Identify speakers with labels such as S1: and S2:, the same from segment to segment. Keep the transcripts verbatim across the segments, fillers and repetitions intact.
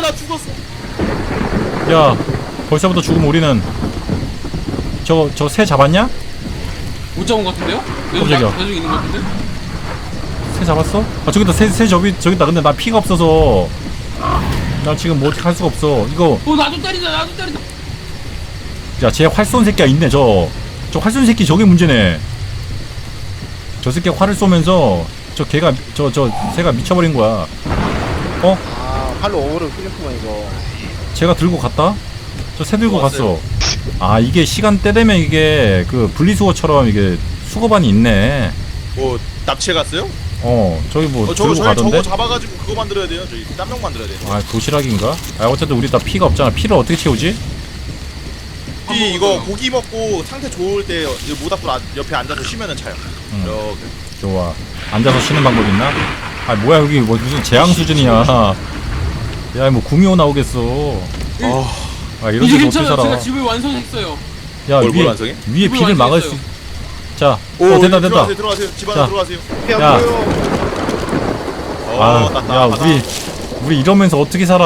S1: 나 죽었어.
S2: 야 벌써부터 죽으면 우리는 저거 저 새 잡았냐?
S3: 못 잡은 것 같은데요? 계속,
S2: 깜짝이야.
S3: 야, 계속 있는 것 같은데?
S2: 새 잡았어? 아 저기다 새, 새 저기 저기다. 근데 나 피가 없어서 나 지금 뭐 어떻게 할 수가 없어. 이거
S3: 어 나도 때리다 나도 때리다.
S2: 야 쟤 활 쏜 새끼가 있네. 저 저 활 쏜 새끼 저게 문제네. 저 새끼가 활을 쏘면서 저 걔가 저 저 새가 미쳐버린 거야. 어?
S4: 아 팔로 오버를 끌렸구만 이거.
S2: 제가 들고 갔다? 저 새 들고
S1: 좋았어요.
S2: 갔어. 아 이게 시간대 되면 이게 그 분리수거처럼 이게 수거반이 있네.
S1: 뭐 납치해 갔어요?
S2: 어 저기 뭐
S1: 어, 저거
S2: 들고
S1: 저희
S2: 가던데?
S1: 저거 잡아가지고 그거 만들어야 돼요. 저희 땀용 만들어야 돼요.
S2: 아 도시락인가? 아 어쨌든 우리 다 피가 없잖아. 피를 어떻게 채우지?
S1: 이 이거 고기 먹고 상태 좋을 때 모닥불 아- 옆에 앉아서 쉬면은 차요.
S2: 음.
S1: 이렇게.
S2: 좋아. 앉아서 쉬는 방법 있나? 아 뭐야 여기 뭐 무슨 재앙 수준이야. 야 뭐 구미호 나오겠어.
S1: 어,
S2: 아 이런
S3: 이제
S2: 데서 어떻게
S3: 괜찮아.
S2: 살아?
S3: 제가 집을 완성했어요.
S2: 야
S1: 뭘, 뭘
S2: 위에
S1: 완성해?
S2: 위에
S3: 집을
S2: 비를 막을 수.
S3: 완성했어요.
S2: 자,
S1: 오,
S2: 어 됐다 됐다.
S1: 들어가세요, 들어가세요. 집 안에
S2: 자.
S1: 들어가세요.
S4: 피안
S2: 야.
S4: 보여.
S1: 어,
S2: 아,
S1: 낫다,
S2: 야
S1: 낫다.
S2: 우리 우리 이러면서 어떻게 살아?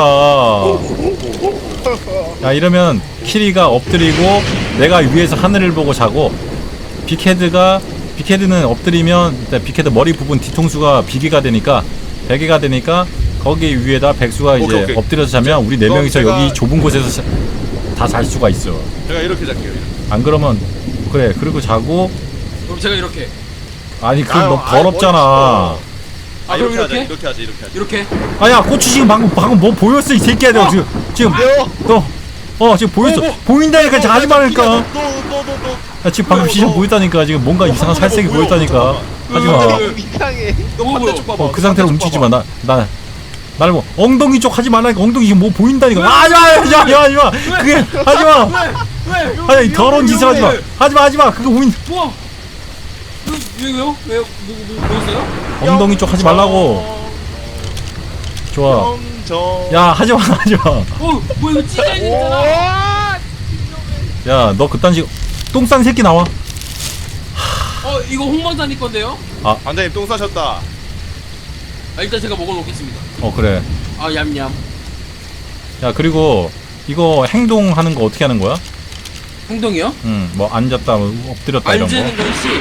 S2: 야 이러면 키리가 엎드리고 내가 위에서 하늘을 보고 자고 빅헤드가 빅헤드는 엎드리면 일단 빅헤드 머리 부분 뒤통수가 비계가 되니까 베개가 되니까 거기 위에다 백수가 이제
S1: 오케이, 오케이.
S2: 엎드려서 자면 우리 네
S1: 그럼
S2: 명이서
S1: 제가-
S2: 여기 좁은 곳에서 다 잘 수가 있어.
S1: 제가 이렇게 잘게요. 이렇게.
S2: 안 그러면 그래 그리고 자고
S3: 그럼 제가 이렇게.
S2: 아니 그건
S1: 아유,
S2: 너
S1: 아유,
S2: 더럽잖아.
S3: 아,
S1: 아,
S3: 그럼
S1: 이렇게 하자.
S3: 이렇게?
S1: 이렇게 하자. 이렇게 하자.
S3: 이렇게.
S2: 아야 고추 지금 방금 방금 뭐 보였어 이 새끼야. 너 지금 지금 너 어 지금 보였어.
S1: 어, 뭐.
S2: 보인다니까 지금 하지 말니까.
S1: 너너너너
S2: 야, 지금 방금
S1: 너,
S2: 시선
S1: 너.
S2: 보였다니까. 지금 뭔가 이상한 살색이
S1: 보여,
S2: 보였다니까. 하지 마.
S4: 어, 이상해.
S1: 너
S3: 뭐야?
S1: 반대쪽 봐봐.
S2: 어, 그 상태로 움직이지 마. 나, 나, 나를 뭐, 엉덩이 쪽 하지 말라니까. 엉덩이 지금 뭐 보인다니까. 아, 하지 마, 하지 마, 하지 마. 그게, 하지 마.
S3: 왜? 왜?
S2: 아니, 더러운 짓을 하지 마. 하지 마, 하지 마. 그거 보인,
S3: 뭐? 왜, 왜요? 왜요? 뭐, 뭐, 뭐 있어요?
S2: 엉덩이 쪽 하지 말라고. 좋아.
S1: 저
S2: 야, 하지 마, 하지 마.
S3: 어, 뭐 이거 찢어 있는 거잖아.
S4: 와.
S2: 야, 너 그딴 식, 똥싼 새끼 나와.
S3: 어, 이거 홍만사님 건데요?
S1: 반장님 똥 싸셨다.
S3: 아, 일단 제가 먹어놓겠습니다.
S2: 어, 그래.
S3: 아, 얌얌.
S2: 야, 그리고, 이거 행동하는 거 어떻게 하는 거야?
S3: 행동이요?
S2: 응, 뭐, 앉았다, 뭐 엎드렸다, 이런
S3: 앉는
S2: 거.
S3: 건 C,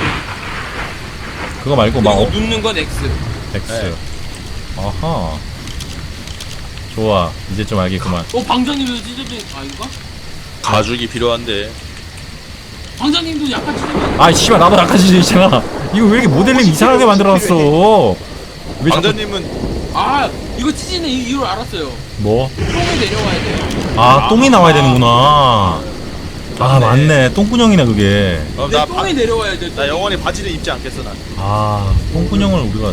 S2: 그거 말고, 막,
S3: 그리고
S2: 어,
S3: 눕는 건 X.
S2: X.
S1: 네.
S2: 아하. 좋아. 이제 좀 알겠구만.
S3: 어, 방장님도 찢어진, 아닌가?
S1: 가죽이 필요한데.
S3: 방장님도 약간 찢어진.
S2: 아이 씨발 나도 약간 지지잖아. 이거 왜 이렇게 모델링 이상하게 만들어놨어? 왜 자꾸
S1: 반장님은
S3: 아, 이거 찢어지는 이- 이유를 알았어요.
S2: 뭐?
S3: 똥이 내려와야 돼요.
S2: 아 똥이 나와야 되는구나. 아 맞네. 똥구녕이네 그게.
S1: 어,
S3: 내
S1: 나,
S3: 똥이
S1: 바,
S3: 내려와야 돼.
S1: 나 영원히 바지를 입지 않겠어 난.
S2: 아 똥구녕을 우리가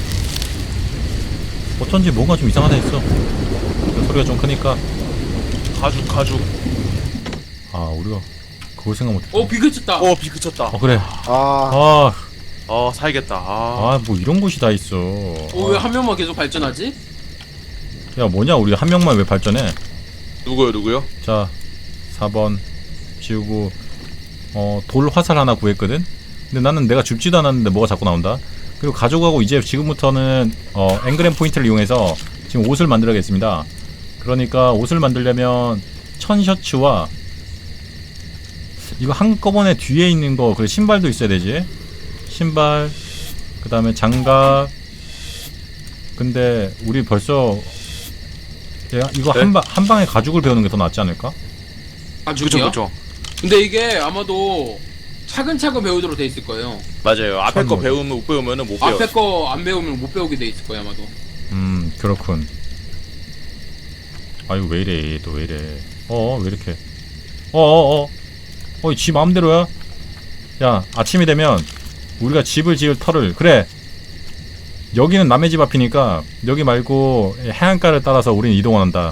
S2: 어쩐지 뭔가 좀 이상하다 했어. 그 소리가 좀 크니까
S1: 가죽 가죽.
S2: 아 우리가 그걸 생각 못했어.
S3: 어, 비 그쳤다.
S1: 어 비 그쳤다.
S2: 어 그래.
S4: 아.
S2: 아
S1: 어 살겠다. 아.
S2: 아 뭐 이런 곳이 다 있어.
S3: 어, 왜 한 명만 계속 발전하지?
S2: 야 뭐냐 우리 한 명만 왜 발전해?
S1: 누구요 누구요?
S2: 자 사 번 지우고 어 돌 화살 하나 구했거든. 근데 나는 내가 줍지도 않았는데 뭐가 자꾸 나온다. 그리고 가져가고 이제 지금부터는 어 앵그램 포인트를 이용해서 지금 옷을 만들어야겠습니다. 그러니까 옷을 만들려면 천 셔츠와 이거 한꺼번에 뒤에 있는 거 그래 신발도 있어야 되지. 신발 그 다음에 장갑. 근데 우리 벌써 야, 이거
S1: 네?
S2: 한방 한 방에 가죽을 배우는 게 더 낫지 않을까?
S3: 아,
S1: 그쵸
S3: 죽이요?
S1: 그쵸.
S3: 근데 이게 아마도 차근차근 배우도록 돼 있을 거예요.
S1: 맞아요. 앞에
S2: 참
S1: 거
S2: 뭐지?
S1: 배우면 못 배우면은 못 배워.
S3: 앞에 거 안 배우면 못 배우게 돼 있을 거예요, 아마도.
S2: 음 그렇군. 아이고 왜 이래 또 왜 이래. 어어 왜 이렇게 어어어 어이 지 마음대로야. 야 아침이 되면 우리가 집을 지을 터를 그래 여기는 남의 집 앞이니까 여기 말고 해안가를 따라서 우리는 이동을 한다.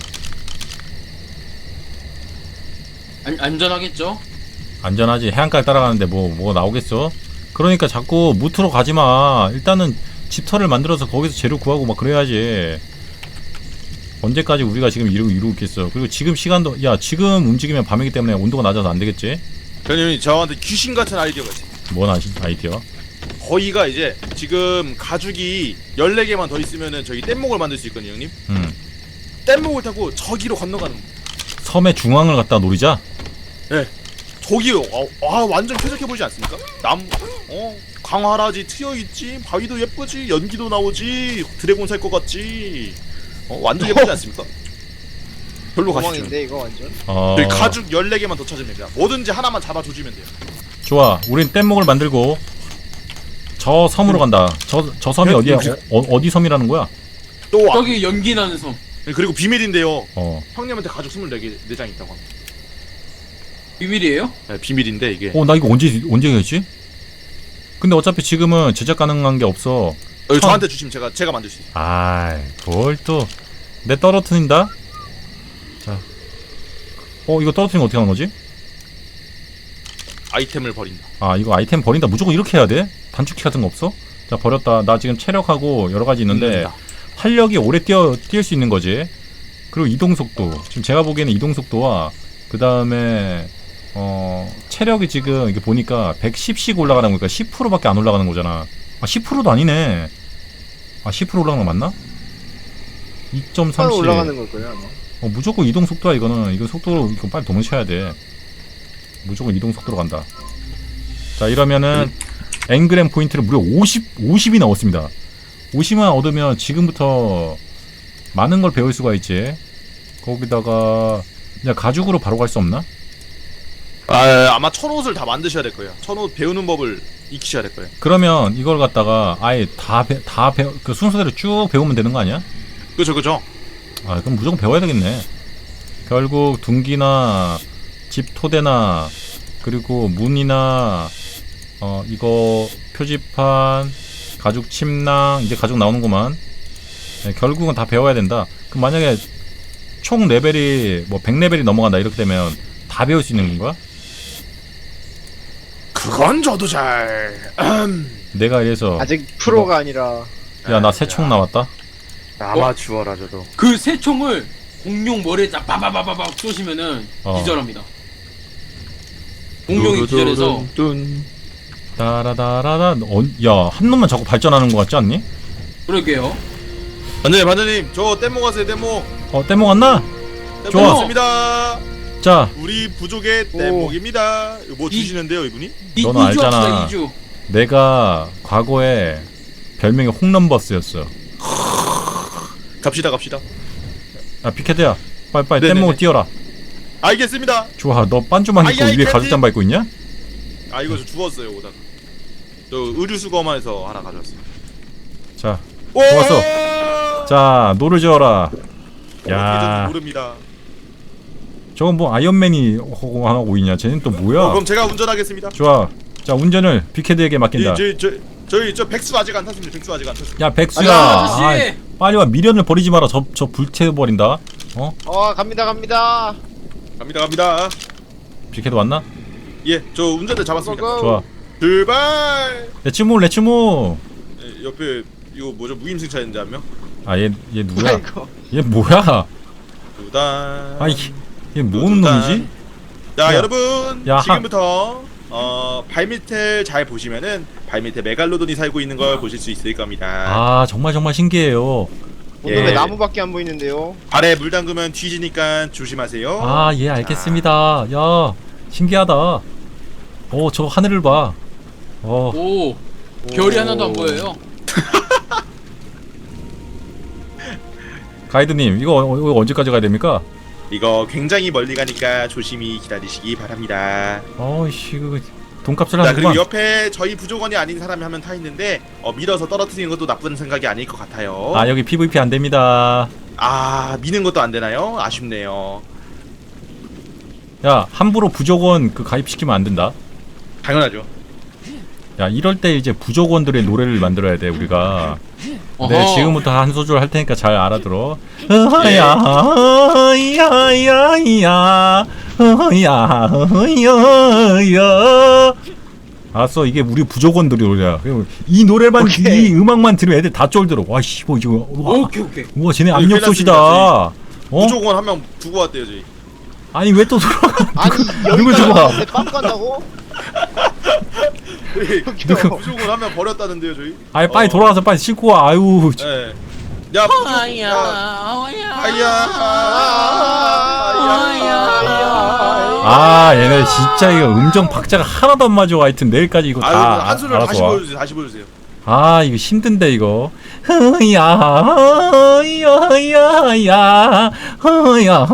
S3: 안, 안전하겠죠?
S2: 안전하지. 해안가를 따라가는데 뭐 뭐가 나오겠어. 그러니까 자꾸 무트로 가지마. 일단은 집터를 만들어서 거기서 재료 구하고 막 그래야지. 언제까지 우리가 지금 이러고 이러고 있겠어. 그리고 지금 시간도 야 지금 움직이면 밤이기 때문에 온도가 낮아서 안 되겠지.
S1: 형님이 저한테 귀신 같은 아이디어가 있어요.
S2: 뭔 아시, 아이디어?
S1: 거기가 이제 지금 가죽이 열네 개만 더 있으면은 저희 뗏목을 만들 수 있거든요 형님.
S2: 음.
S1: 뗏목을 타고 저기로 건너가는 거예요.
S2: 섬의 중앙을 갖다 노리자.
S1: 저기요. 어, 아 완전 쾌적해 보이지 않습니까? 남, 어 강화라지 트여 있지, 바위도 예쁘지, 연기도 나오지, 드래곤 살 것 같지. 어 완전 예쁘지 않습니까? 별로 가시죠.
S4: 도망인데 이거 완전.
S2: 어,
S1: 저희 가죽 열네 개만 더 찾으면 돼요. 뭐든지 하나만 잡아조지면 돼요.
S2: 좋아. 우린 뗏목을 만들고 저 섬으로 간다. 저 저 섬이
S1: 네,
S2: 어디야?
S1: 네.
S2: 어, 어, 어디 섬이라는 거야?
S1: 또 와.
S3: 저기 연기 나는 섬.
S1: 그리고 비밀인데요.
S2: 어.
S1: 형님한테 가죽 스물네 개 네 장 있다고 합니다.
S3: 비밀이에요?
S1: 네, 비밀인데 이게.
S2: 어, 나 이거 언제 언제 했지? 근데 어차피 지금은 제작 가능한 게 없어.
S1: 어, 저한테 주시면 제가 제가 만들 수 있어요.
S2: 아이, 뭘 또 내 떨어뜨린다? 자. 어, 이거 떨어뜨리면 어떻게 하는 거지?
S1: 아이템을 버린다.
S2: 아, 이거 아이템 버린다. 무조건 이렇게 해야 돼? 단축키 같은 거 없어? 자, 버렸다. 나 지금 체력하고 여러 가지 있는데
S1: 음.
S2: 활력이 오래 뛰어 뛸 수 있는 거지. 그리고 이동 속도. 지금 제가 보기에는 이동 속도와 그 다음에 어 체력이 지금 이게 보니까 백십씩 올라가는 거니까 십 퍼센트밖에 안 올라가는 거잖아. 아, 십 퍼센트도 아니네. 아, 십 퍼센트 올라가는 거 맞나? 이 점
S4: 바로
S2: 삼씩.
S4: 올라가는 걸 거예요 아마.
S2: 어, 무조건 이동 속도야 이거는. 이거 속도로 이거 빨리 도망쳐야 돼. 무조건 이동 속도로 간다. 자, 이러면은 앵그램 포인트를 무려 오십, 오십이 나왔습니다. 오십만 얻으면 지금부터 많은 걸 배울 수가 있지. 거기다가 그냥 가죽으로 바로 갈 수 없나?
S1: 아 아마 천옷을 다 만드셔야 될 거예요. 천옷 배우는 법을 익히셔야 될 거예요.
S2: 그러면 이걸 갖다가 아예 다 배, 다 배, 그 순서대로 쭉 배우면 되는 거 아니야?
S1: 그죠 그죠.
S2: 아, 그럼 무조건 배워야 되겠네. 결국 둥기나 집 토대나 그리고 문이나 어 이거 표지판, 가죽 침낭, 이제 가죽 나오는구만. 네, 결국은 다 배워야 된다. 그럼 만약에 총 레벨이 뭐 백 레벨이 넘어간다 이렇게 되면 다 배울 수 있는 건가?
S1: 그건 저도 잘. 음.
S2: 내가 이래서
S4: 아직 프로가 아니라.
S2: 야, 나 새 총 나왔다.
S1: 아마추어라 저도.
S3: 그 새 총을 공룡 머리에 딱 빠바바바박 쏘시면은
S2: 어.
S3: 기절합니다. 공룡이 기절해서
S2: 따라다라다. 어, 야, 한 놈만 자꾸 발전하는 것 같지 않니?
S3: 그러게요.
S1: 반장님 반장님 저 뗏모 가세요 뗏모.
S2: 어, 떼모 갔나? 좋아.
S1: 좋습니다.
S2: 자,
S1: 우리 부족의
S4: 오.
S1: 뗏목입니다. 이거 뭐
S3: 이-
S1: 주시는데요 이분이?
S3: 이,
S2: 너는
S3: 이주
S2: 알잖아.
S3: 합시다, 이주.
S2: 내가 과거에 별명이 홈런버스였어.
S1: 갑시다 갑시다.
S2: 야, 피켓이야. 빨리빨리
S1: 네네네.
S2: 뗏목을 띄워라.
S1: 알겠습니다.
S2: 좋아, 너 반주만 입고
S1: 아이, 아이,
S2: 위에
S1: 캔디.
S2: 가죽 잠바 입고 있냐?
S1: 아 이거 저 죽었어요 오다가. 저 의류 수거만해서 하나 가져왔어요.
S2: 자,
S1: 오!
S2: 좋았어. 자, 노를 지어라.
S1: 야.
S2: 야,
S1: 모릅니다.
S2: 저건 뭐 아이언맨이 하고 하고 있냐? 쟤는 또 뭐야?
S1: 어, 그럼 제가 운전하겠습니다.
S2: 좋아. 자, 운전을 비케드에게 맡긴다.
S1: 이, 저, 저, 저희 저 백수 아직 안 탔습니다. 백수 아직 안 탔습니다.
S2: 야, 백수야.
S3: 아저씨!
S2: 아이, 빨리 와. 미련을 버리지 마라. 저 저 불태워버린다. 어?
S4: 어 갑니다 갑니다.
S1: 갑니다 갑니다.
S2: 비케드 왔나?
S1: 예, 저 운전대 잡았습니다.
S4: 고고.
S2: 좋아.
S1: 출발.
S2: 레츠모 레츠모.
S1: 예, 옆에 이거 뭐죠 무임승차인데 한 명.
S2: 아, 얘 얘 누구야?
S4: 아이고.
S2: 얘 뭐야?
S1: 두단.
S2: 아이, 얘 뭔 놈이지?
S1: 자
S2: 야.
S1: 여러분
S2: 야,
S1: 지금부터 어 발밑을 잘 보시면은 발밑에 메갈로돈이 살고 있는 걸 보실 수 있을 겁니다.
S2: 아, 정말 정말 신기해요.
S4: 오늘
S1: 예.
S4: 왜 나무밖에 안 보이는데요?
S1: 발에 물 담그면 뒤지니까 조심하세요.
S2: 아, 예, 알겠습니다. 야, 신기하다. 어, 저 하늘을 봐. 어,
S3: 오, 별이 하나도 안 보여요.
S2: 가이드님, 이거, 어, 이거 언제까지 가야 됩니까?
S1: 이거 굉장히 멀리 가니까 조심히 기다리시기 바랍니다.
S2: 어이씨, 그 돈값을
S1: 자 그리고
S2: 하는구만.
S1: 옆에 저희 부족원이 아닌 사람이 한 명 타 있는데 어, 밀어서 떨어뜨리는 것도 나쁜 생각이 아닐 것 같아요.
S2: 아, 여기 피브이피 안 됩니다.
S1: 아 미는 것도 안 되나요? 아쉽네요.
S2: 야, 함부로 부족원 그 가입시키면 안 된다.
S1: 당연하죠.
S2: 야, 이럴 때 이제 부족원들의 노래를 만들어야 돼, 우리가. 네,
S3: 어허.
S2: 지금부터 한 소절 할 테니까 잘 알아들어. 어야, 어야야야, 어야, 어야야. 알았어, 이게 우리 부족원들이 노래야. 그리고 이 노래만,
S4: 오케이.
S2: 이 음악만 들으면 애들 다 쫄들어. 와, 씨, 뭐 이거, 와,
S3: 오케이 오케이.
S2: 우와, 쟤네
S1: 여기
S2: 압력
S1: 큰일
S2: 솥이다.
S1: 났습니다,
S2: 어?
S1: 부족원 한 명 두고 왔대요 저희.
S2: 아니, 왜 또 돌아가?
S4: 아니
S2: 누구
S4: 여기까지
S2: 좋아?
S4: 왔는데 빵 간다고?
S1: 저희
S2: 누구?
S1: 부족원 한 명 버렸다는데요 저희.
S2: 아니, 빨리
S1: 어.
S2: 돌아가서 빨리 싣고 와. 아유,
S1: 네. 야
S3: 아야
S1: 야,
S3: 아야
S1: 아야
S2: 아 얘네 진짜 이거 음정 박자가 하나도 안 맞아. 하여튼 내일까지 이거
S1: 아유
S2: 다
S1: 한 소절
S2: 알아서
S1: 다시
S2: 와.
S1: 보여주세요 다시 보여주세요
S2: 아 이거 힘든데 이거. 흐야 흐야야 흐야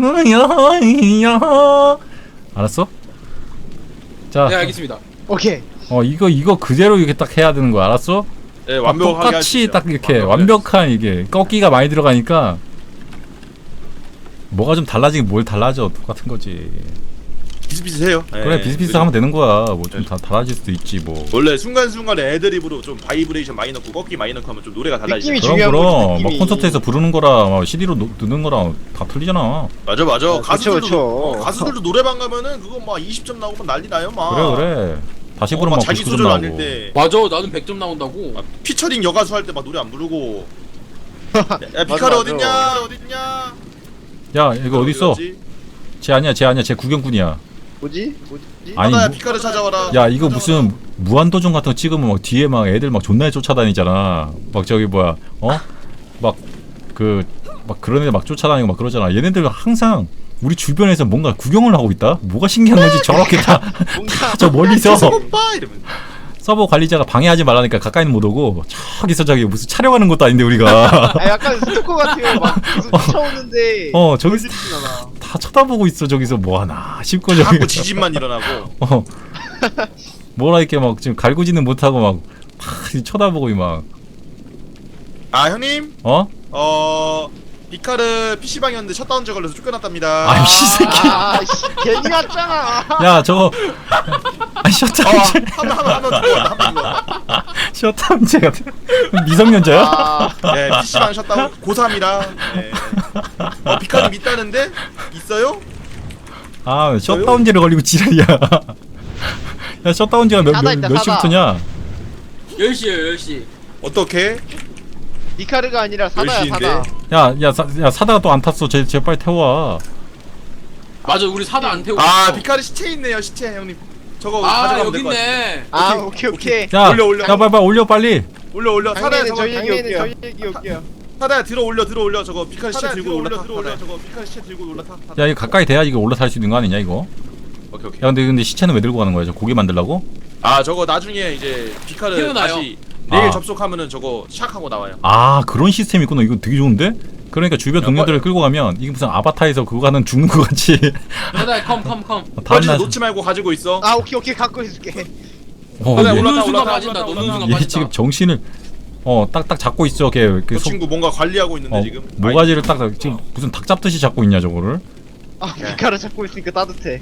S2: 흐야야. 알았어? 자,
S3: 네 알겠습니다.
S4: 오케이.
S2: 어 이거 이거 그대로 이렇게 딱 해야 되는 거 알았어?
S1: 네
S2: 아,
S1: 완벽하게
S2: 똑같이
S1: 하십시오.
S2: 딱 이렇게
S1: 완벽하게
S2: 완벽한 이게 꺾기가 많이 들어가니까 뭐가 좀 달라지긴 뭘 달라져. 똑같은 거지.
S1: 비슷비슷해요
S2: 그래
S1: 네.
S2: 비슷비슷하면 되는 거야. 뭐 좀 다 달라질 수도 있지 뭐.
S1: 원래 순간순간에 애드립으로 좀 바이브레이션 많이 넣고 꺾기 많이 넣고 하면 좀 노래가 달라지죠
S4: 느낌이
S2: 그럼
S4: 중요한
S2: 그럼
S4: 거지,
S2: 막
S4: 느낌이.
S2: 콘서트에서 부르는 거랑 막 씨디로 노, 듣는 거랑 다 틀리잖아.
S1: 맞아 맞아
S4: 아,
S1: 가수들도
S4: 그쵸, 그쵸.
S1: 어, 가수들도 노래방 가면은 그거 막 이십 점 나오면 난리 나요 막
S2: 그래 그래. 다시
S1: 어,
S2: 부르면
S1: 막
S2: 막
S1: 자기
S2: 구십구 점
S1: 소절
S2: 나오고.
S1: 아닐 때
S3: 맞아 나는 백 점 나온다고.
S1: 막 피처링 여가수 할 때 막 노래 안 부르고 야
S4: 맞아,
S1: 비카르
S4: 맞아.
S1: 어딨냐 어딨냐
S2: 야 이거 어디 있어?
S1: 어디갔지?
S2: 쟤 아니야 쟤 아니야 쟤 구경꾼이야.
S4: 뭐지? 뭐지?
S2: 아니,
S1: 하나야
S2: 뭐-
S1: 비카르 찾아와라
S2: 야 이거 무슨 무한도전 같은 거 찍으면 막 뒤에 막 애들 막 존나 쫓아다니잖아. 막 저기 뭐야 어? 막 그 막 그런 애들 막 쫓아다니고 막 그러잖아. 얘네들 항상 우리 주변에서 뭔가 구경을 하고 있다. 뭐가 신기한 건지 저렇게 다
S4: 뭔가
S2: 저 멀리서
S1: 오빠 이러면
S2: 서버 관리자가 방해하지 말라니까 가까이는 못 오고 저기서 저기 무슨 촬영하는 것도 아닌데 우리가
S4: 아 약간 스토커 같아요. 막 계속 쫓아오는데
S2: 어 저기
S4: 보여주진 않아.
S2: 다 쳐다보고 있어. 저기서 뭐 하나 싶고 저기
S1: 자꾸 지진만 일어나고
S2: 어 뭐라 이렇게 막 지금 갈구지는 못하고 막 다 쳐다보고 막
S1: 아 형님
S2: 어?
S1: 어 비카르 피시방이었는데 셧다운제 걸려서 쫓겨났답니다
S2: 아이 씨새끼.
S4: 아, 씨, 괜히 왔잖아.
S2: 야 저거 아 셧다운제
S1: 어한명한명 죽어 한명 죽어
S2: 셧다운제 같은 미성년자야?
S4: 아,
S1: 네 피시방 셧다운 고삼이라 네. 어 비카르 있다는데 있어요?
S2: 아 셧다운제를 걸리고 지랄이야. 야 셧다운제가 몇,
S4: 사다
S2: 몇,
S4: 있다,
S2: 몇
S4: 사다.
S2: 시부터냐?
S3: 열 시에요 열 시.
S1: 어떻게?
S4: 니카르가 아니라 사다야
S1: 열 시인데?
S4: 사다.
S2: 야, 야, 사, 야 사다가 또 안 탔어. 쟤, 쟤 빨리 태워와.
S3: 맞아 우리 사다 안 태우고.
S1: 아
S3: 있어.
S1: 비카르 시체 있네요 시체 형님 저거
S3: 아
S1: 가져가면
S3: 여기
S1: 될 것 같아
S3: 있네.
S4: 아
S1: 오케이,
S4: 오케이 오케이.
S2: 야,
S1: 올려, 올려.
S2: 야, 빨리, 빨리 올려 빨리.
S1: 올려 올려 사다야
S4: 당연히
S1: 저거
S4: 저희 얘기
S1: 당연히
S4: 올게요. 저희 얘기 올게요.
S1: 사다야 들어 올려 들어 올려 저거 비카르 시체
S3: 사다야,
S1: 들고
S3: 들어
S1: 올라타
S3: 올려, 들어
S1: 사다야
S3: 올려.
S1: 저거 비카르 시체 들고 올라타
S2: 야, 이거 가까이 돼야 이거 올라탈 수 있는 거 아니냐 이거?
S1: 오케이 오케이
S2: 야, 근데 근데 시체는 왜 들고 가는 거야? 저 고기 만들라고?
S1: 아 저거 나중에 이제 비카르
S3: 태어나요.
S1: 다시 내일
S2: 아.
S1: 접속하면은 저거 샥하고 나와요
S2: 아, 그런 시스템이 있구나. 이거 되게 좋은데? 그러니까 주변
S1: 야,
S2: 동료들을 끌고 가면 이게 무슨 아바타에서 그거 가는 죽는 거 같이.
S3: 사다 컴컴 컴.
S2: 다음
S1: 뻘짓에
S2: 날.
S1: 놓지 말고 가지고 있어
S4: 아 오케이 오케이 갖고 있을게.
S2: 어,
S1: 사다야,
S2: 얘,
S1: 올라타,
S3: 노는 순간
S1: 올라타,
S3: 빠진다.
S1: 올라타,
S3: 노는 순간
S2: 얘
S3: 빠진다.
S2: 지금 정신을 어 딱딱 잡고 있어. 걔 그
S1: 그
S2: 속-
S1: 친구 뭔가 관리하고 있는데
S2: 어,
S1: 지금
S2: 모가지를 딱 지금 무슨 닭 잡듯이 잡고 있냐 저거를?
S4: 아 니카르 잡고 있으니까 따뜻해.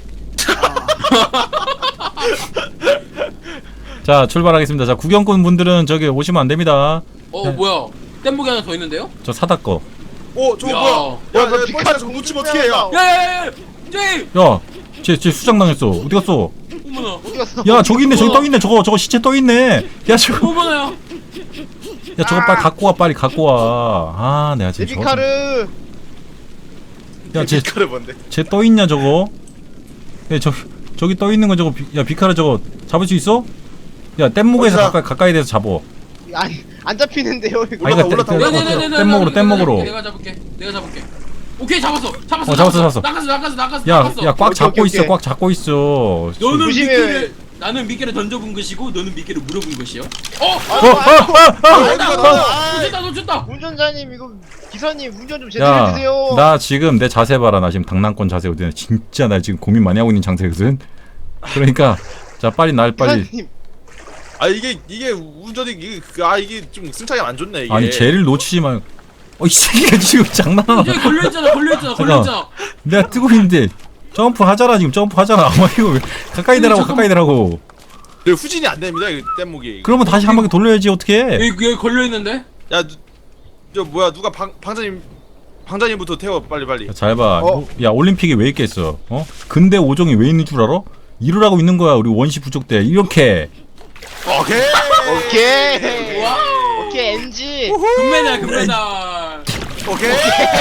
S2: 자 출발하겠습니다. 자 구경꾼 분들은 저기 오시면 안 됩니다.
S3: 어 뭐야? 뗏목이 하나 더 있는데요?
S2: 저 사다 거.
S1: 어 저거
S3: 야.
S1: 뭐야
S4: 야,
S1: 야
S4: 너
S1: 야,
S4: 비카르
S1: 뻘짓에 저거 놓치면 어떡해 야
S3: 야야야야! 제이!
S2: 야, 쟤, 쟤 수장 당했어. 어디 갔어?
S3: 어머나.
S4: 어디 갔어?
S2: 야, 저기 있네. 저기 떠 있네. 저거, 저거 시체 떠 있네. 야, 저거,
S3: 어머나야.
S2: 야, 저거 빨리 갖고 와. 빨리 갖고 와. 아, 내가
S4: 내
S2: 지금 저거.
S4: 비카르.
S2: 야, 쟤,
S1: 비카르 뭔데
S2: 쟤 떠 있냐 저거? 야, 저, 저기 떠 있는 거 저거. 비, 야, 비카라 저거 잡을 수 있어? 야, 뗏목에서
S1: 어디서?
S2: 가까이 가까이 대서 잡어.
S4: 아니 안 잡히는데요 이거.
S2: 아니,
S1: 올라타,
S2: 그러니까
S1: 올라타,
S2: 뗏-
S1: 올라타.
S3: 네네네네.
S2: 뗏목으로, 뗏목으로.
S3: 내가 잡을게. 내가 잡을게. 오케이 잡았어. 잡았어.
S2: 어, 잡았어, 잡았어.
S3: 나갔어 나갔어 나갔어.
S2: 야,
S3: 나갔어.
S2: 야, 꽉
S4: 오케이,
S2: 잡고
S4: 오케이,
S2: 있어.
S4: 오케이.
S2: 꽉 잡고 있어.
S3: 너는
S4: 조심해.
S3: 미끼를 나는 미끼를 던져본 것이고 너는 미끼를 물어본 것이요. 어!
S2: 어, 어, 어, 어.
S1: 어디가
S3: 어!
S1: 나
S3: 놓쳤다 놓쳤다.
S4: 운전자님 이거 기사님 운전 좀 제대로
S2: 야,
S4: 해주세요.
S2: 나 지금 내 자세 봐라. 나 지금 당랑권 자세 어디냐. 진짜 나 지금 고민 많이 하고 있는 장세거든. 그러니까 자, 빨리 날 빨리.
S4: 기사님
S1: 아 이게 이게 운전이 이게 그- 아 이게 좀 승차감 안 좋네 이게
S2: 아니 쟤를 놓치지 말. 어, 이 새끼가 지금 장난하나?
S3: 이제 걸려 있잖아. 걸려 있잖아. 걸려 있잖아.
S2: 내가 뜨고 있는데 점프 하잖아 지금 점프 하잖아. 아마 이거 왜 가까이 대라고
S3: 잠깐만.
S2: 가까이 대라고.
S1: 그 후진이 안 됩니다 이 뗏목이
S2: 그러면 다시 한 바퀴 돌려야지 어떻게?
S3: 여기 여기 걸려 있는데.
S1: 야저 뭐야 누가 방 방장님 방장님부터 태워 빨리 빨리
S2: 잘 봐.
S4: 어?
S2: 야 올림픽에 왜 있겠어? 어? 근대 오종이 왜 있는 줄 알아? 이루라고 있는 거야 우리 원시 부족 때 이렇게.
S1: 오케이
S4: 오케이.
S3: 와우.
S4: 오케이 엔지.
S3: 금메달 금메달.
S1: 오케이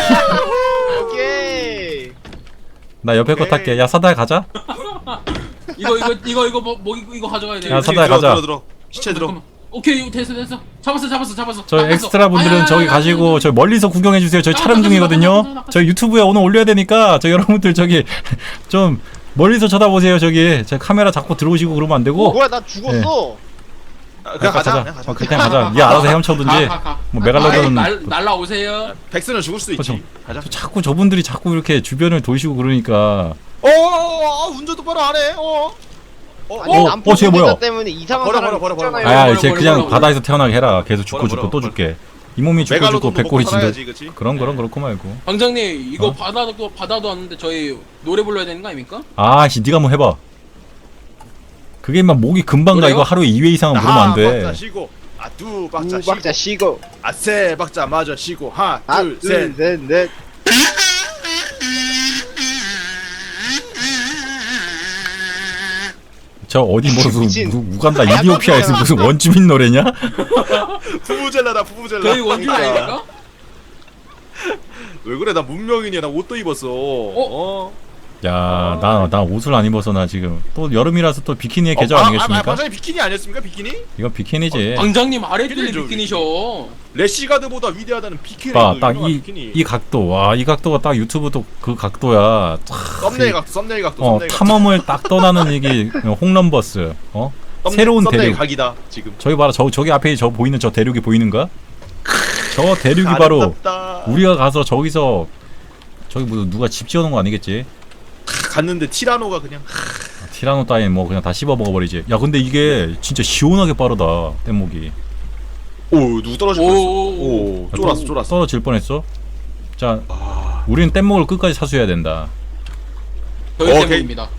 S4: 오케이.
S2: 나 옆에 거
S1: 오케이.
S2: 탈게. 야 사다야 가자.
S3: 이거 이거 이거 이거 뭐, 뭐 이거 이거 가져가야 돼.
S2: 야,
S3: 이거.
S2: 사다야
S1: 들어,
S2: 가자.
S1: 들어 들어 시체 들어
S3: 잠깐만. 어 오케이 됐어 됐어 잡았어 잡았어 잡았어.
S2: 저
S3: 잡았어.
S2: 엑스트라 분들은
S3: 아야,
S2: 저기
S3: 아야,
S2: 가시고
S3: 아야,
S2: 저 멀리서 구경해 주세요. 저희 촬영
S3: 나가자,
S2: 중이거든요.
S3: 나가자, 나가자.
S2: 저 유튜브에 오늘 올려야 되니까 저 여러분들 저기 좀 멀리서 쳐다보세요. 저기 제 카메라 자꾸 들어오시고 그러면 안
S4: 어,
S2: 되고.
S4: 뭐야 나 죽었어.
S1: 아, 그냥 가자. 그냥
S2: 어,
S1: 가자.
S2: 그냥 가자. 얘 알아서 헤엄쳐든지.
S3: 가, 가, 가.
S2: 뭐 메갈로돈.
S3: 날 날라오세요.
S1: 백스는 죽을 수도 있지.
S2: 그렇죠.
S1: 가자.
S2: 저 자꾸 저분들이 자꾸 이렇게 주변을 도시고 그러니까.
S1: 어, 어, 어, 운전 똑바로 안 해. 어. 어,
S4: 아니
S2: 어,
S4: 남포
S2: 어, 쟤 뭐야?
S4: 때문에 이상한
S1: 버려,
S4: 사람
S1: 버려, 버려, 버려.
S4: 있잖아요.
S2: 아,
S3: 버려,
S2: 이제
S3: 버려,
S2: 그냥
S3: 버려,
S2: 바다에서 태어나게 해라. 계속 죽고
S1: 버려,
S2: 죽고
S1: 버려,
S2: 또
S1: 버려.
S2: 죽게. 이 몸이 죽고 죽고
S1: 메갈로돈도
S2: 백골이
S1: 먹고
S2: 진다.
S1: 살아야지, 그치?
S2: 그런 그런 그렇고 말고.
S3: 방장님 이거
S2: 어?
S3: 바다도 바다도 왔는데 저희 노래 불러야 되는 거 아닙니까?
S2: 아씨, 네가 한번 해봐. 그게 막 목이 금방 가.
S3: 그래요?
S2: 이거 하루에 이 회 이상은 부르면 안
S1: 한 박자
S2: 돼.
S1: 쉬고, 아, 두 박자
S4: 두
S1: 쉬고,
S4: 박자 쉬고
S1: 아, 세 박자 맞아 쉬고, 하나,
S4: 하나
S1: 둘, 셋.
S4: 둘셋넷
S2: 저 어디 무슨
S4: 미친.
S2: 무슨 우간다 이디오피아에서 무슨 원주민 노래냐?
S1: 부부젤라다, 부부젤라.
S3: 저희 원주
S1: 그러니까.
S3: 아닙니까?
S1: 왜 그래? 나 문명인이야. 나 옷도 입었어. 어?
S2: 야, 나 나 옷을 안 입어서 나 지금 또 여름이라서 또 비키니의 계절
S1: 어, 아, 아,
S2: 아니겠습니까?
S1: 방장님 비키니 아니었습니까? 비키니?
S2: 이건 비키니지.
S3: 방장님 아래 뚫린
S1: 비키니죠,
S3: 비키니셔.
S1: 래시가드보다 위대하다는 비키니.
S2: 봐, 딱
S1: 유명한
S2: 이
S1: 비키니.
S2: 이 각도, 와, 이 각도가 딱 유튜브도 그 각도야.
S1: 썸네일 각도, 썸네일 각도,
S2: 어,
S1: 썸네일 각도.
S2: 탐험을 딱 떠나는 이게 홈런버스. 어?
S1: 썸네-
S2: 새로운
S1: 썸네일
S2: 대륙.
S1: 각이다 지금.
S2: 저기 봐라, 저 저기 앞에 저 보이는 저 대륙이 보이는가? 저 대륙이 바로
S1: 아름답다.
S2: 우리가 가서 저기서 저기 뭐 누가 집 지어놓은 거 아니겠지?
S1: 갔는데 티라노가 그냥
S2: 아, 티라노 따윈 뭐 그냥 다 씹어 먹어버리지. 야, 근데 이게 진짜 시원하게 빠르다 뗏목이.
S1: 오 누구 떨어질 뻔했어.
S3: 오.
S1: 오 쫄았어
S2: 또
S1: 쫄았어.
S2: 떨어질 뻔했어. 자,
S1: 아.
S2: 우리는 뗏목을 끝까지 사수해야 된다.
S3: 저희
S1: 어,
S3: 때문입니다.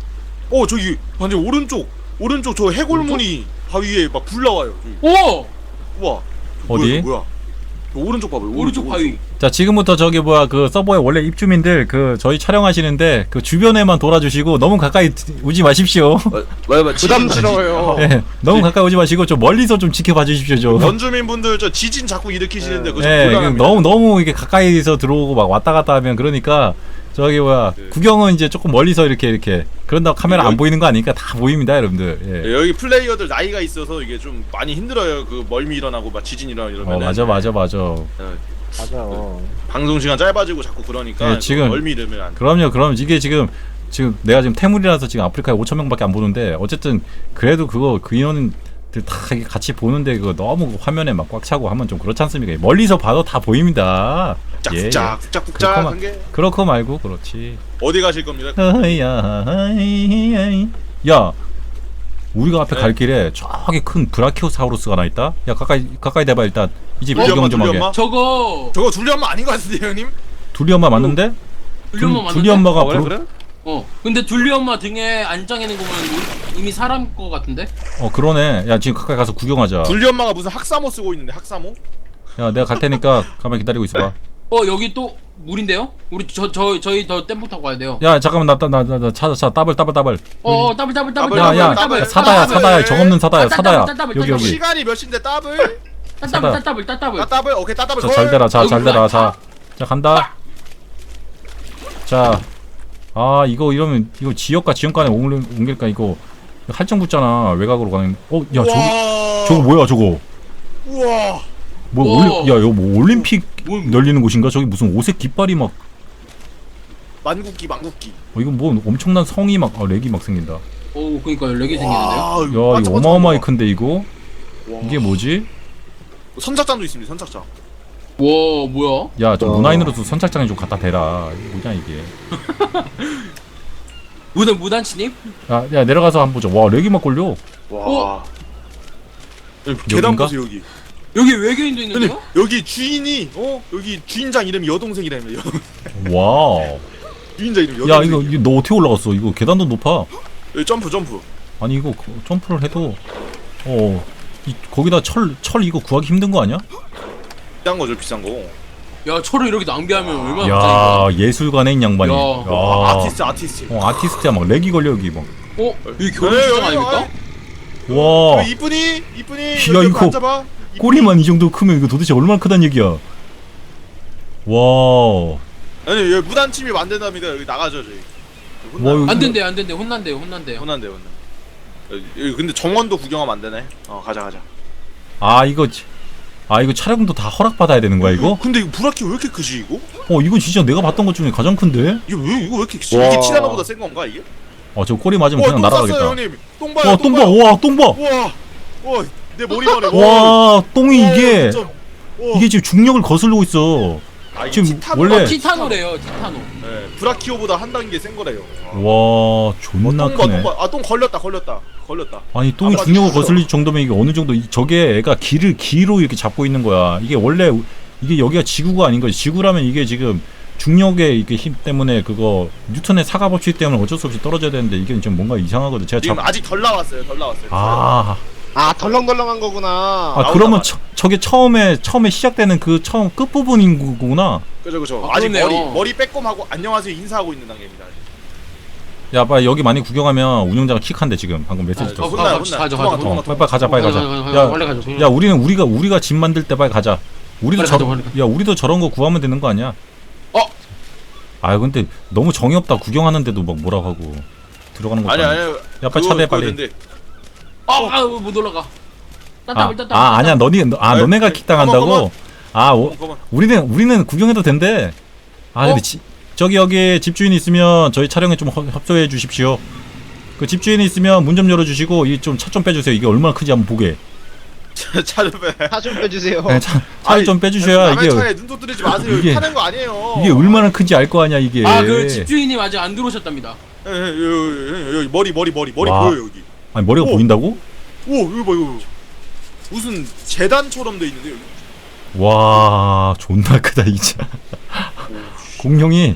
S1: 어 저기 완전 오른쪽 오른쪽 저 해골무늬 바위에 막 불 나와요. 저기.
S3: 오!
S1: 우와.
S2: 어디?
S1: 뭐야, 이거 뭐야? 저 오른쪽 봐봐요.
S3: 오른쪽 바위.
S2: 자, 지금부터 저기 뭐야 그 서버의 원래 입주민들 그 저희 촬영하시는데 그 주변에만 돌아주시고 너무 가까이 오지 마십시오.
S1: 맞아 맞아.
S4: 부담스러워요.
S2: 예, 너무 가까이 오지 마시고 좀 멀리서 좀 지켜봐 주십시오 좀.
S1: 원주민분들 저 지진 자꾸 일으키시는데 그거 좀
S2: 예,
S1: 곤란합니다.
S2: 너무 너무 이게 가까이서 들어오고 막 왔다 갔다 하면 그러니까 저기 뭐야
S1: 네.
S2: 구경은 이제 조금 멀리서 이렇게 이렇게 그런다고 카메라 안
S1: 여기-
S2: 보이는 거 아니니까 다 보입니다, 여러분들. 예.
S1: 예, 여기 플레이어들 나이가 있어서 이게 좀 많이 힘들어요. 그 멀미 일어나고 막 지진 일어나 이러면.
S2: 어, 맞아 맞아 맞아.
S4: 맞아.
S1: 방송 시간 짧아지고 자꾸 그러니까
S2: 예, 지금-
S1: 멀미 이러면 안 돼.
S2: 그럼요, 그럼 이게 지금 지금 내가 지금 태물이라서 지금 아프리카에 오천 명밖에 안 보는데 어쨌든 그래도 그거 그 인원들 다 이렇게 같이 보는데 그거 너무 화면에 막 꽉 차고 하면 좀 그렇지 않습니까? 멀리서 봐도 다 보입니다. 예,
S1: 짝짝짝
S2: 예.
S1: 짝짝짝
S2: 그렇구만.
S1: 한 게.
S2: 그렇고 말고 그렇지.
S1: 어디 가실 겁니까?
S2: 어이야, 어이, 야, 우리가 앞에
S1: 네.
S2: 갈 길에 저기 큰 브라키오사우루스가 하나 있다. 야, 가까이 가까이 대봐 일단. 이집
S1: 둘리
S2: 구경
S1: 엄마
S2: 좀
S1: 둘리
S2: 하게.
S1: 엄마?
S3: 저거
S1: 저거 둘리 엄마 아닌 것 같은데 형님?
S2: 둘리 엄마 맞는데?
S3: 둘리 엄마 맞는데?
S2: 둘리 엄마가
S1: 아, 그래
S2: 브로-
S1: 그래?
S3: 어. 근데 둘리 엄마 등에 안장 있는 거 보면 이- 이미 사람 거 같은데?
S2: 어, 그러네. 야, 지금 가까이 가서 구경하자.
S1: 둘리 엄마가 무슨 학사모 쓰고 있는데 학사모?
S2: 야, 내가 갈 테니까 가만히 기다리고 있어봐.
S3: 어 여기 또 물인데요? 우리 저 저 저희 더 댐프 타고 가야 돼요.
S2: 야, 잠깐만 나나나 나, 나 찾아 찾아 따블 따블 따블.
S3: 어, 어 더블 더블 더블
S1: 더블,
S2: 야,
S3: 더블
S2: 야,
S3: 더블
S2: 야, 사다야
S1: 따블.
S2: 사다야 정 없는 사다야
S3: 아, 따-
S2: 사다야.
S3: 따블, 따블,
S2: 여기
S3: 따블.
S2: 여기.
S1: 시간이 몇인데 더블?
S3: 따블 따블 따블 따블.
S1: 아 더블 오케이 따블
S2: 자, 잘 되라. 자, 잘 되라. 자,
S3: 아.
S2: 자 간다. 자, 아 이거 이러면 이거 지역과 지역 간에 옮길, 옮길까 이거 할증 붙잖아. 외곽으로 가는. 어, 야 저기 저거 뭐야 저거?
S1: 우와.
S2: 뭐
S3: 우와.
S2: 올리, 야 이거 뭐 올림픽
S3: 뭐,
S2: 열리는 곳인가? 저기 무슨 오색 깃발이 막.
S1: 만국기 만국기.
S2: 어, 이거 뭐 엄청난 성이 막 아, 렉이 막 생긴다. 야
S3: 오 그러니까 렉이 생기는데요.
S2: 이거 어마어마하게 큰데 이거 이게 뭐지?
S1: 선착장도 있습니다. 선착장.
S3: 와 뭐야?
S2: 야 저
S4: 어.
S2: 문화인으로서 선착장에 좀 갖다 대라. 이게 뭐냐 이게?
S3: 무단 무단 침입?
S2: 야, 야 내려가서 한번 보자. 와 렉이 막 걸려.
S1: 와.
S3: 어?
S1: 여기 계단
S2: 여긴가?
S1: 보세요 여기.
S3: 여기 외계인도
S1: 근데
S3: 있는데요?
S1: 여기 주인이 어 여기 주인장 이름이 여동생이라며. 여-
S2: 와.
S1: 주인장 이름
S2: 야
S1: 여동생.
S2: 이거, 이거 너 어떻게 올라갔어? 이거 계단도 높아.
S1: 여기 점프 점프.
S2: 아니 이거 그- 점프를 해도 어 이, 거기다 철 철 이거 구하기 힘든 거 아니야?
S1: 비싼 거죠 비싼 거.
S3: 야 철을 이렇게 낭비하면 얼마나 비싸니까.
S2: 야 예술가네 이 양반이.
S3: 야.
S1: 아, 아티스트 아티스트.
S2: 어 아티스트야 막 렉이 걸려 여기 막.
S3: 어? 여기
S1: 네,
S3: 결혼식장
S1: 여기,
S3: 아닙니까?
S2: 와
S1: 여기 이쁜이 이쁜이.
S2: 야,
S1: 여기
S2: 이거
S1: 앉아봐. 이쁜이.
S2: 꼬리만 이 정도 크면 이거 도대체 얼마나 크단 얘기야? 와.
S1: 아니 여기 무단 침입 안 된답니다. 여기 나가죠 저희. 혼나.
S2: 와, 이거-
S3: 안 된대 안 된대 혼난대요 혼난대요.
S1: 혼난데 혼난. 여기 근데 정원도 구경하면 안 되네. 어 가자 가자.
S2: 아 이거 지- 아 이거 촬영도 다 허락받아야 되는 거야 이거?
S1: 근데 이거 브라키 왜 이렇게 크지 이거?
S2: 어 이거 진짜 내가 봤던 것 중에 가장 큰데?
S1: 이거 왜 이거 왜 이렇게 크지?
S4: 와.
S1: 이게 티라노보다 센 건가 이게?
S2: 어 저 꼬리 맞으면
S1: 와,
S2: 그냥
S1: 똥
S2: 날아가겠다.
S1: 쌌어요, 형님. 똥 봐요.
S2: 와 똥 봐, 와 똥 봐.
S1: 와, 와, 내 머리만해.
S2: 와 똥이
S1: 와,
S2: 이게
S1: 진짜. 와.
S2: 이게 지금 중력을 거슬리고 있어.
S1: 아, 이게
S2: 지금
S1: 티타노.
S2: 원래-
S3: 아, 티타노래요 티타노.
S1: 네, 브라키오보다 한 단계 센 거래요.
S2: 와 존나
S1: 똥 봐,
S2: 크네.
S1: 똥 봐. 아, 똥 걸렸다, 걸렸다, 걸렸다.
S2: 아니 똥이
S1: 아,
S2: 중력을
S1: 맞죠.
S2: 거슬릴 정도면 이게 어느 정도 이- 저게 애가 기를 기로 이렇게 잡고 있는 거야. 이게 원래 우- 이게 여기가 지구가 아닌 거지. 지구라면 이게 지금 중력의 이게 힘 때문에 그거 뉴턴의 사가 법칙 때문에 어쩔 수 없이 떨어져야 되는데 이게 지금 뭔가 이상하거든. 제가
S1: 지금
S2: 잡
S1: 아직 덜 나왔어요, 덜 나왔어요.
S2: 아,
S4: 아 덜렁덜렁한 거구나.
S2: 아
S1: 나온다
S2: 그러면
S1: 말이야.
S2: 처, 저게 처음에 처음에 시작되는 그 처음 끝 부분인 거구나.
S1: 그죠, 그죠.
S3: 아,
S1: 아직
S3: 그러네요.
S1: 머리 머리 빼꼼하고 안녕하세요 인사하고 있는 단계입니다. 아직.
S2: 야, 빨리 여기 많이 구경하면 운영자가 킥한대 지금 방금 메시지
S3: 아,
S2: 떴어.
S1: 어, 혼나요,
S3: 가자,
S1: 혼나요.
S3: 가자,
S1: 도망가,
S3: 가자.
S1: 도망가,
S2: 어, 빨리 빨리 가자, 빨리 가자. 야,
S3: 빨리 가자.
S2: 야, 우리는 우리가 우리가 집 만들 때 빨리 가자. 우리도
S3: 빨리
S2: 저,
S3: 가자, 빨리 가자.
S2: 야, 우리도 저런 거 구하면 되는 거 아니야?
S3: 어?
S2: 아, 근데 너무 정이 없다. 구경하는데도 막 뭐라고 하고 들어가는 거.
S1: 아니 아니.
S2: 야, 빨리 차대 빨리.
S1: 근데
S3: 아못 올라가.
S2: 아,
S3: 딴따블 딴따블.
S2: 아, 아니야. 너니 너, 아,
S1: 아니,
S2: 너네가
S1: 아니,
S2: 킥 당한다고? 아, 오,
S1: 잠깐만.
S2: 우리는 우리는 구경해도 된대. 아, 근데
S3: 어?
S2: 지, 저기 여기 집주인이 있으면 저희 촬영에 좀 허- 협조해 주십시오. 그 집주인이 있으면 문 좀 열어 주시고 이 좀 차 좀 빼 주세요. 이게 얼마나 큰지 한번 보게.
S1: 차를 빼.
S4: 차 좀 빼주세요.
S2: 네, 차, 차를
S1: 아니,
S2: 좀 빼주셔야
S1: 남의
S2: 이게
S1: 차에 눈도 뜨리지 마세요.
S2: 이게-
S1: 이게 타는 거 아니에요.
S2: 이게 얼마나 큰지 알 거 아니야 이게.
S3: 아그 집주인님 아직 안 들어오셨답니다.
S1: 예, 예, 여기, 여기, 여기 머리 머리 머리 머리
S2: 와.
S1: 보여요 여기.
S2: 아니 머리가
S1: 오.
S2: 보인다고?
S1: 오 이거 봐 이거. 무슨 재단처럼 돼 있는데 여기.
S2: 와 존나 크다 이 차. 공룡이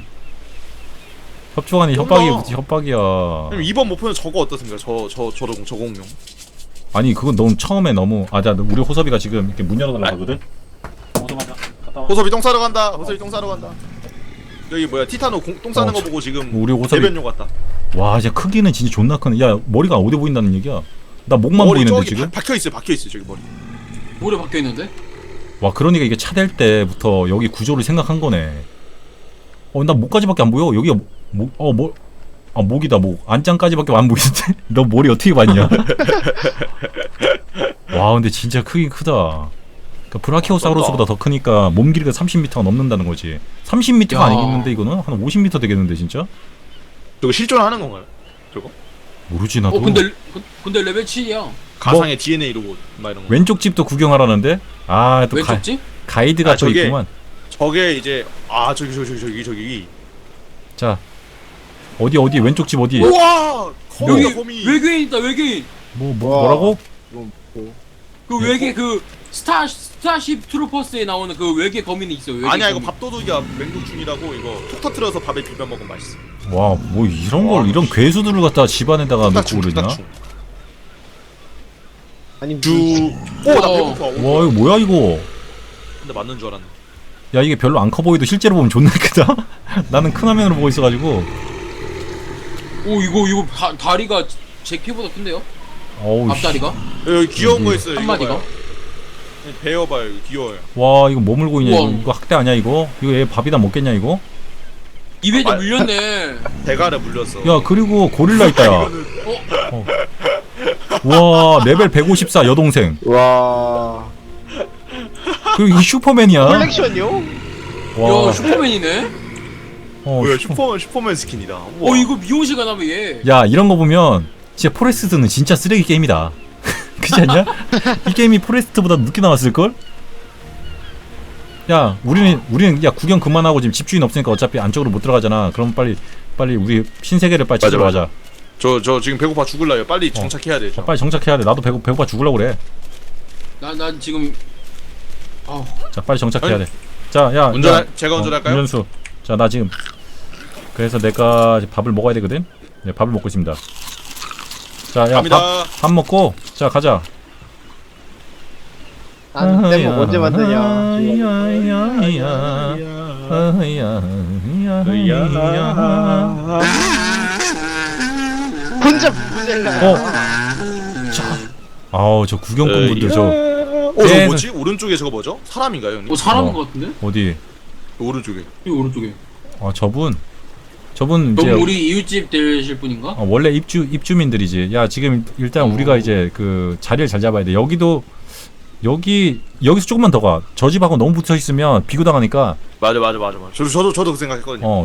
S2: 협조하니 협박이
S1: 존나.
S2: 협박이야.
S1: 그럼 이번 목표는 저거 어떻습니까? 저저 저저 공룡.
S2: 아니 그건 너무 처음에 너무 아자 우리 호섭이가 지금 이렇게 문 열어달라 하거든.
S1: 호섭이 똥 싸러 간다. 호섭이 똥 싸러 간다. 여기 뭐야 티타노 공, 똥 싸는
S2: 어,
S1: 거 보고 지금
S2: 우리 호섭이-
S1: 대변용 같다.
S2: 와 진짜 크기는 진짜 존나 크네. 야 머리가 어디 보인다는 얘기야? 나 목만
S1: 머리
S2: 보이는데
S1: 저기
S2: 지금?
S1: 바, 박혀 있어요. 박혀 있어요 저기 머리.
S3: 모래 박혀 있는데?
S2: 와 그러니까 이게 차 댈 때부터 여기 구조를 생각한 거네. 어 나 목까지밖에 안 보여. 여기가 목어뭐 아 목이다 목 안장까지밖에 안 보이는데 너 머리 어떻게 봤냐? 와 근데 진짜 크긴 크다. 그러니까 브라키오사우루스보다 더 크니까 몸 길이가 삼십 미터가 넘는다는 거지. 삼십 미터가
S3: 야.
S2: 아니겠는데 이거는 한 오십 미터 되겠는데 진짜?
S1: 저거 실존하는 건가요? 저거?
S2: 모르지 나도.
S3: 어 근데 그- 근데 레벨 칠이야.
S1: 가상의 디엔에이 로봇 막 이런 거.
S2: 왼쪽 집도 구경하라는데 아또
S3: 왼쪽 집?
S2: 가이드가
S1: 아,
S2: 또
S1: 저게-
S2: 있구만.
S1: 저게 이제 아 저기 저기 저기 저기 저기.
S2: 자 어디 어디 왼쪽 집 어디?
S1: 우와! 거미다
S3: 여기
S1: 거미.
S3: 외계인 있다 외계인.
S2: 뭐, 뭐
S4: 와.
S2: 뭐라고?
S3: 그 외계 그 스타 스타쉽 트루퍼스에 나오는 그 외계 거민이 있어요. 외계
S1: 아니야 이거
S3: 거민.
S1: 밥도둑이야 맹독 중이라고 이거 톡 터트려서 밥에 비벼 먹으면 맛있어.
S2: 와 뭐 이런 걸
S1: 와,
S2: 이런 괴수들을 갖다 집안에다가 놓고
S1: 뚝딱충,
S2: 그러냐?
S1: 뚝딱충.
S4: 아니
S1: 주.
S4: 주...
S1: 오나
S3: 어.
S1: 배고파.
S2: 와 이거 뭐야 이거?
S1: 근데 맞는 줄 알았네.
S2: 야 이게 별로 안 커 보이도 실제로 보면 존나 크다. 나는 큰 화면으로 보고 있어가지고.
S3: 오 이거 이거 다, 다리가 제 키보다 큰데요?
S2: 어우 씨.
S3: 앞다리가?
S1: 여기 귀여운 거
S2: 여기
S1: 있어요.
S3: 한
S1: 이거
S3: 마디가?
S1: 봐요. 배워 봐요. 이거 귀여워요.
S2: 와 이거 뭐 물고 있냐 이거,
S3: 우와.
S2: 이거 학대 아니야 이거? 이거 얘 밥이다 먹겠냐 이거?
S3: 입에 좀
S1: 아,
S3: 물렸네.
S1: 대가를 물렸어.
S2: 야 그리고 고릴라 있다 야.
S1: 이거는
S2: 와 레벨 백오십사 여동생.
S4: 와...
S2: 그리고 이거 슈퍼맨이야.
S4: 컬렉션이요?
S2: 와.
S3: 야 슈퍼맨이네?
S2: 어,
S1: 뭐야
S2: 슈퍼-
S1: 슈퍼맨 슈퍼맨 스킨이다.
S3: 어
S1: 우와.
S3: 이거 미용실 가나봐 얘.
S2: 야 이런 거 보면 진짜 포레스트는 진짜 쓰레기 게임이다. 그렇지 않냐? 이 게임이 포레스트보다 늦게 나왔을 걸? 야 우리는 우리는 야 구경 그만하고 지금 집주인 없으니까 어차피 안쪽으로 못 들어가잖아. 그럼 빨리 빨리 우리 신세계를 빨리
S1: 맞아,
S2: 찾으러 가자.
S1: 저 저 지금 배고파 죽을라요. 빨리 정착해야 돼.
S2: 어,
S1: 저.
S2: 빨리 정착해야 돼. 나도 배고 배고파 죽으려고 그래.
S3: 나난 지금 아
S2: 자 빨리 정착해야
S1: 아니,
S2: 돼. 자 야
S1: 운전할
S2: 야,
S1: 제가 운전할까요?
S2: 운전수. 자 나 지금 그래서 내가 이제 밥을 먹어야 되거든. 네 밥을 먹고 있습니다. 자야
S1: 갑니다.
S2: 밥 밥 먹고 자 가자.
S4: 나는 땜목 언제 만드냐? 혼자 부zel라.
S2: 어. 아우 저 구경꾼 분들 저
S1: 어, 저
S2: 네,
S1: 뭐지? 오른쪽에 저거 뭐죠? 사람인가요, 형님?
S3: 어 사람인
S2: 어.
S3: 것 같은데?
S2: 어디?
S1: 오른쪽에.
S3: 이 오른쪽에.
S2: 아 저분 저분 이제
S3: 그럼 우리 이웃집 되실 분인가?
S2: 어, 원래 입주 입주민들이지. 야 지금 일단 우리가 이제 그 자리를 잘 잡아야 돼. 여기도 여기 여기서 조금만 더 가. 저 집하고 너무 붙어 있으면 비교 당하니까
S1: 맞아 맞아 맞아 맞아. 저도 저도 저도 그 생각했거든요.
S2: 어